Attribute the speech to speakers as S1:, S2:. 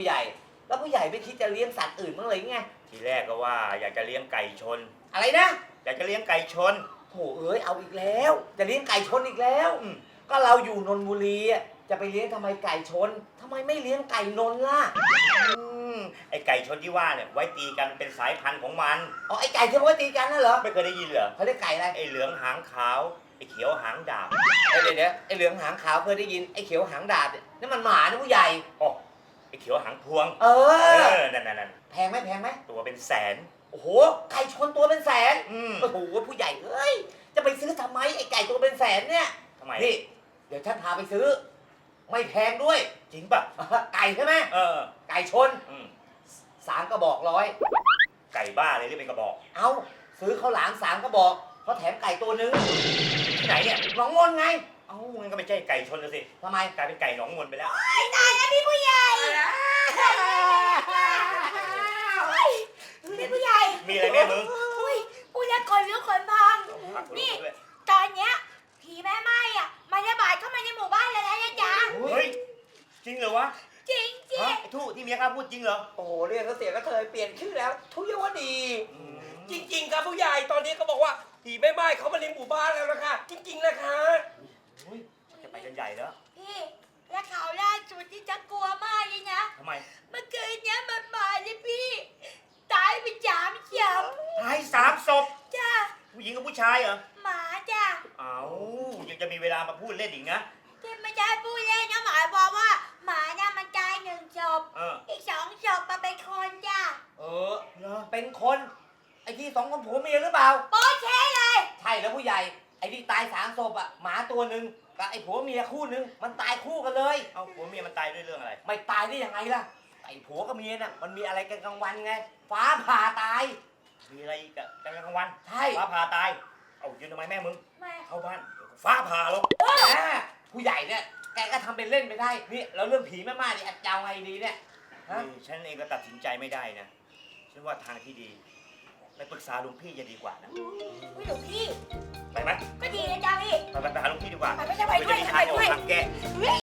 S1: ผู้ใหญ่แล้วผู้ใหญ่ไม่คิดจะเลี้ยงสัตว์อื่นบ้างเลยไง
S2: ทีแรกก็ว่าอยากจะเลี้ยงไก่ชน
S1: อะไรนะ
S2: อยากจะเลี้ยงไก่ชน
S1: โถเอ้ยเอาอีกแล้วจะเลี้ยงไก่ชนอีกแล้วก็เราอยู่นนทบุรีจะไปเลี้ยงทำไมไก่ชนทำไมไม่เลี้ยงไก่นนล่ะ
S2: ไอไก่ชนที่ว่าเนี่ยไว้ตีกันเป็นสายพันธุ์ของมัน
S1: อ๋อไอไก่ที่ว่าตีกันน่ะเหรอ
S2: ไม่เคยได้ยินเหรอ
S1: เขาเรียกไก่อะไร
S2: ไอเหลืองหางขาวไอเขียวหางดาบ
S1: เดี๋ยวไอเหลืองหางขาวเคยได้ยินไอเขียวหางดาบนี่มันหมานะผู้ใหญ่
S2: อ๋อไอเขียวหางพวงนั่น
S1: แพงไหม
S2: ตัวเป็นแสน
S1: โอ้โหไก่ชนตัวเป็นแสนโอ้โหผู้ใหญ่เอ้ยจะไปซื้อทำไมไอไก่ตัวเป็นแสนเนี่ย
S2: ทำไม
S1: นี่เดี๋ยวฉันพาไปซื้อไม่แพงด้วย
S2: จริงป่ะ
S1: ไก่ใช่ไหมไก่ชน3 กระบอก100
S2: ไก่บ้าเลยที่เป็นกระบอก
S1: เอาซื้อข้าวหลาม3 กระบอกเขาแถมไก่ตัวนึง
S2: ที่ไหนเนี่ย
S1: หนองมนไง
S2: เอ้างั้นก็ไม่ใช่ไก่ชนแล้วสิ
S1: ทำไม
S2: กลายเป็นไก่หนองมนไปแล้ว
S3: ตายแล้วพี่ผู้ใหญ่พี่ผู้ใหญ่
S2: มีอะไรแม่มึง
S3: ผู้ใหญ่คนลุกคนพองนี่ตอนเนี้ยผีแม่ไม้อะมันระบาดเข้ามาในหมู่บ้านแล้วนะจ๊ะ
S2: เฮ้ยจริงเหรอวะ
S3: จริง
S2: ไอ้ทู่ที่เมียข้าพูดจริงเหรอ
S1: โอ้โหเรียกเขาเสียก็เธอเปลี่ยนชื่อแล้วทุยวดี
S4: จริงๆครับผู้ใหญ่ตอนนี้เขาบอกว่าผีแม่ไม้เขามาในหมู่บ้านแล้วนะคะจริงๆนะคะ
S2: จะไปกันใหญ่แล้ว
S3: พี่และข่าวล่าสุดที่จะกลัวมากเลยนะ
S2: ทำไม
S3: เมื่อคืนเนี้ยมันมาเลยพี่ตายไป3 ศพ
S2: ตาย3 ศพ
S3: จ้า
S2: ผู้หญิงกับผู้ชายเหรอ
S3: หมาจ้า
S2: เอ้ายังจะมีเวลามาพูดเล่นอีกนะ
S3: ที่ไม่ได้พูดเล่นนะหมายความว่าหมาน่ะมันตาย1 ศพอีก2 ศพมาเป็นคนจ้า
S1: เป็นคนไอ้ที่2 คนผัวเมียหรือเปล่า
S3: โป๊ะเช่เลย
S1: ใช่แล้วผู้ใหญ่ไอ้ที่ตาย3 ศพอ่ะหมาตัวนึงกับไอ้ผัวเมียคู่นึงมันตายคู่กันเลย
S2: เอาผัวเมียมันตายด้วยเรื่องอะไร
S1: ไม่ตายได้ยังไงล่ะไอ้ผัวกับเมียน่ะมันมีอะไรกันกลางวันไงฟ้าผ่าตาย
S2: มีอะไรกันกลางวัน
S1: ใช่
S2: ฟ้าผ่าตายเอายืนทำไมแม่มึงเข้าบ้านฟ้าผ่าลง
S1: ผู้ใหญ่เนี่ยแกก็ทำเป็นเล่นไปได้นี่แล้วเรื่องผีแม่ไม้นี่จะเอาไงดีเนี่ย
S2: ฉันเองก็ตัดสินใจไม่ได้นะฉันว่าทางที่ดีไปปรึกษาหลวงพี่จะดีกว่านะ
S3: หลวงพี่
S2: ไปไหม
S3: ก็ดีนะจ๊ะพี่
S2: ไปหาหลวงพี่ดีกว่า
S3: ไปด้วย
S2: ทางแก้